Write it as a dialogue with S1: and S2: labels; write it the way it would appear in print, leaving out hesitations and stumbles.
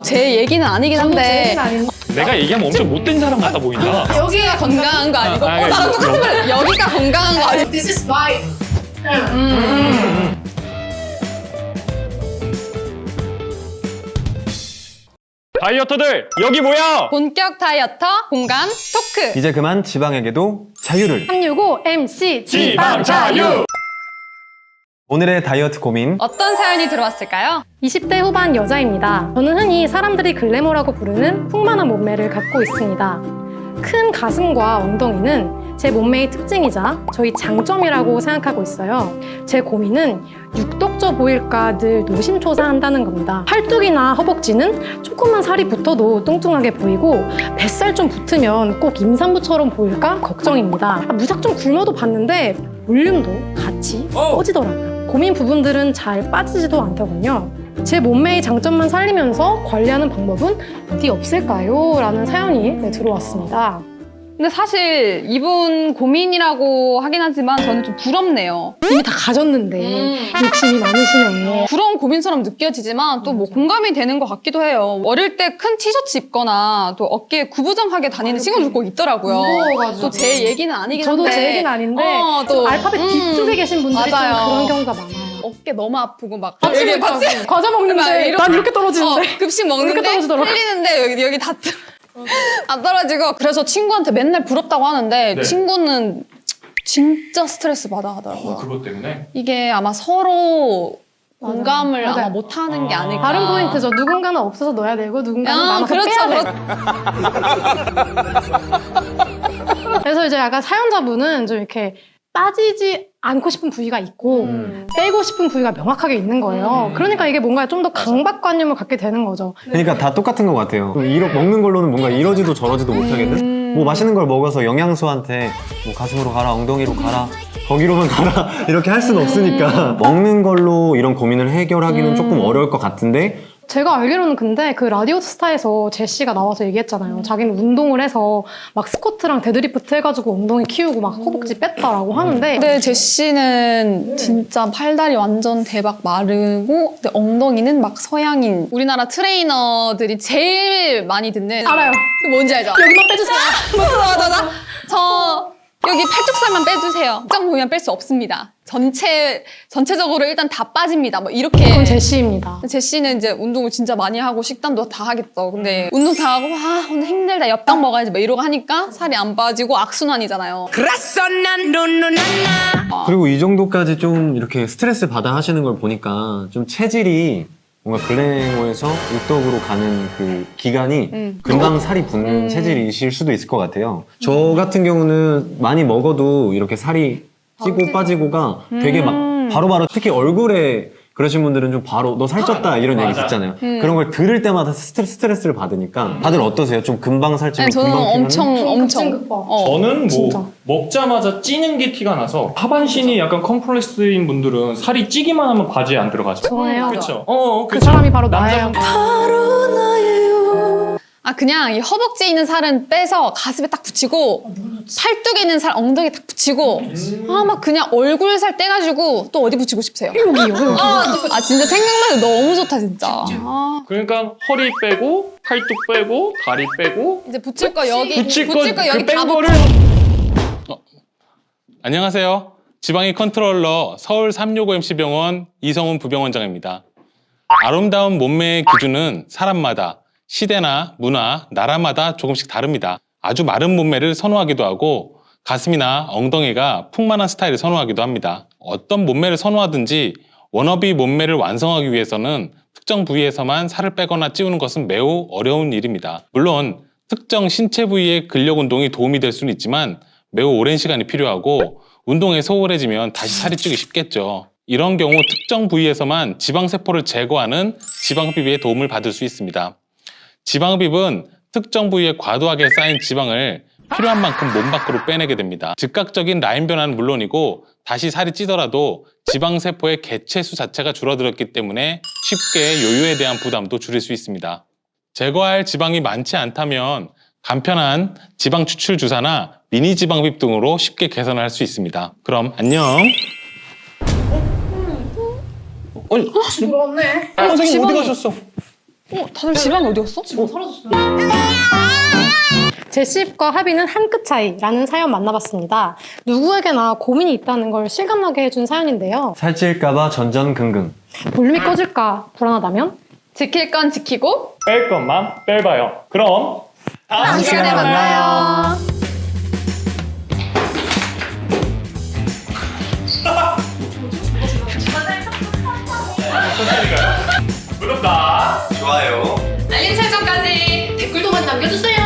S1: 제 얘기는 아니긴 한데
S2: 내가 얘기하면 엄청 못된 사람 같아 보인다.
S1: 여기가 건강한 거 아니고 나랑 똑같은 말 여기가 건강한 거 아니고
S3: This is vibe.
S2: 다이어터들 여기 모여!
S1: 본격 다이어터 공감 토크
S4: 이제 그만 지방에게도 자유를.
S5: 365 MC
S2: 지방 자유!
S4: 오늘의 다이어트 고민.
S1: 어떤 사연이 들어왔을까요?
S5: 20대 후반 여자입니다. 저는 흔히 사람들이 글래머라고 부르는 풍만한 몸매를 갖고 있습니다. 큰 가슴과 엉덩이는 제 몸매의 특징이자 저희 장점이라고 생각하고 있어요. 제 고민은 육덕져 보일까 늘 노심초사한다는 겁니다. 팔뚝이나 허벅지는 조금만 살이 붙어도 뚱뚱하게 보이고 뱃살 좀 붙으면 꼭 임산부처럼 보일까 걱정입니다. 무작정 굶어도 봤는데 볼륨도 같이 꺼지더라고요. 고민 부분들은 잘 빠지지도 않더군요. 제 몸매의 장점만 살리면서 관리하는 방법은 어디 없을까요? 라는 사연이 들어왔습니다.
S1: 근데 사실 이분 고민이라고 하긴 하지만 저는 좀 부럽네요.
S5: 이미 다 가졌는데 욕심이 많으시네.
S1: 부러운 고민처럼 느껴지지만 또 뭐 공감이 되는 것 같기도 해요. 어릴 때 큰 티셔츠 입거나 또 어깨에 구부정하게 다니는 친구들 꼭 있더라고요.
S5: 무거워가지고.
S1: 또 제 얘기는 아니긴 한데
S5: 저도 제 얘기는 아닌데
S1: 또
S5: 알파벳 뒤쪽에 계신 분들이
S1: 맞아요.
S5: 좀 그런 경우가 많아요.
S1: 어깨 너무 아프고 막
S5: 아침에 과자 먹는데 난 이렇게 떨어지는데
S1: 급식 먹는데
S5: 이렇게 떨어지더라고.
S1: 흘리는데 여기 다 안 떨어지고 그래서 친구한테 맨날 부럽다고 하는데
S2: 네.
S1: 친구는 진짜 스트레스 받아 하더라고요.
S2: 그것 때문에?
S1: 이게 아마 서로 공감을
S5: 맞아요.
S1: 아마 못하는 게 아닐까.
S5: 다른 포인트죠. 누군가는 없어서 넣어야 되고 누군가는 남아서
S1: 그렇죠.
S5: 빼야 돼. 그래서 이제 약간 사연자분은 좀 이렇게 빠지지 않고 싶은 부위가 있고 빼고 싶은 부위가 명확하게 있는 거예요. 그러니까 이게 뭔가 좀 더 강박관념을 갖게 되는 거죠.
S4: 그러니까 다 똑같은 것 같아요. 먹는 걸로는 뭔가 이러지도 저러지도 못하겠는? 뭐 맛있는 걸 먹어서 영양소한테 뭐 가슴으로 가라, 엉덩이로 가라, 거기로만 가라 이렇게 할 수는 없으니까 먹는 걸로 이런 고민을 해결하기는 조금 어려울 것 같은데
S5: 제가 알기로는 근데 그 라디오스타에서 제시가 나와서 얘기했잖아요. 자기는 운동을 해서 막 스쿼트랑 데드리프트 해가지고 엉덩이 키우고 막 허벅지 뺐다라고 하는데
S1: 근데 제시는 진짜 팔다리 완전 대박 마르고 근데 엉덩이는 막 서양인 우리나라 트레이너들이 제일 많이 듣는
S5: 알아요.
S1: 그 뭔지 알죠?
S5: 여기만 빼주세요.
S1: 맞아. 저 여기 팔뚝살만 빼주세요. 특정 보면 뺄 수 없습니다. 전체적으로 일단 다 빠집니다. 뭐 이렇게.
S5: 그건 제시입니다.
S1: 제시는 이제 운동을 진짜 많이 하고 식단도 다 하겠죠. 근데 운동 다 하고 와 오늘 힘들다 엽떡 먹어야지 막 이러고 하니까 살이 안 빠지고 악순환이잖아요.
S4: 그리고 이 정도까지 좀 이렇게 스트레스 받아 하시는 걸 보니까 좀 체질이 뭔가 글래머에서 육덕으로 가는 그 기간이 금방 살이 붙는 체질이실 수도 있을 것 같아요. 저 같은 경우는 많이 먹어도 이렇게 살이 찌고 빠지고가 되게 막 바로바로 특히 얼굴에 그러신 분들은 좀 바로 너 살쪘다 이런 얘기 듣잖아요. 그런 걸 들을 때마다 스트레스를 받으니까 다들 어떠세요? 좀 금방 살찌고
S1: 아니, 저는
S4: 금방 피면?
S1: 엄청
S5: 급진급파.
S2: 저는 뭐
S5: 진짜.
S2: 먹자마자 찌는 게 티가 나서 하반신이 약간 컴플렉스인 분들은 살이 찌기만 하면 바지에 안 들어가죠.
S5: 저예요.
S2: 그렇죠.
S5: 그 사람이 바로 나예요.
S1: 아 그냥 이 허벅지에 있는 살은 빼서 가슴에 딱 붙이고 팔뚝에 있는 살 엉덩이에 딱 붙이고 아 막 그냥 얼굴 살 떼가지고 또 어디 붙이고 싶으세요?
S5: 여기요.
S1: 아 진짜 생각만 해도 너무 좋다 진짜. 아,
S2: 그러니까 허리 빼고 팔뚝 빼고 다리 빼고
S1: 이제 붙일 거 여기
S2: 붙일 거
S1: 여기
S2: 그 뺀
S1: 다
S2: 거를
S6: 안녕하세요. 지방의 컨트롤러 서울 365MC병원 이성훈 부병원장입니다. 아름다운 몸매의 기준은 사람마다 시대나 문화, 나라마다 조금씩 다릅니다. 아주 마른 몸매를 선호하기도 하고 가슴이나 엉덩이가 풍만한 스타일을 선호하기도 합니다. 어떤 몸매를 선호하든지 워너비 몸매를 완성하기 위해서는 특정 부위에서만 살을 빼거나 찌우는 것은 매우 어려운 일입니다. 물론 특정 신체 부위의 근력 운동이 도움이 될 수는 있지만 매우 오랜 시간이 필요하고 운동에 소홀해지면 다시 살이 찌기 쉽겠죠. 이런 경우 특정 부위에서만 지방세포를 제거하는 지방흡입에 도움을 받을 수 있습니다. 지방흡입은 특정 부위에 과도하게 쌓인 지방을 필요한 만큼 몸 밖으로 빼내게 됩니다. 즉각적인 라인 변화는 물론이고 다시 살이 찌더라도 지방세포의 개체수 자체가 줄어들었기 때문에 쉽게 요요에 대한 부담도 줄일 수 있습니다. 제거할 지방이 많지 않다면 간편한 지방 추출 주사나 미니 지방흡입 등으로 쉽게 개선을 할 수 있습니다. 그럼 안녕.
S2: 아니
S5: 그렇네.
S2: 선생님 어디 가셨어?
S1: 다들 지방이 어디 갔어?
S5: 제시입과 합의는 한 끗 차이라는 사연 만나봤습니다. 누구에게나 고민이 있다는 걸 실감나게 해준 사연인데요.
S4: 살찔까봐 전전긍긍.
S5: 볼륨이 꺼질까 불안하다면?
S1: 지킬 건 지키고
S2: 뺄 것만 빼봐요. 그럼 다음 시간에
S1: 만나요.
S2: 구독과
S4: 좋아요.
S1: 알림 설정까지
S5: 댓글도 많이 남겨주세요.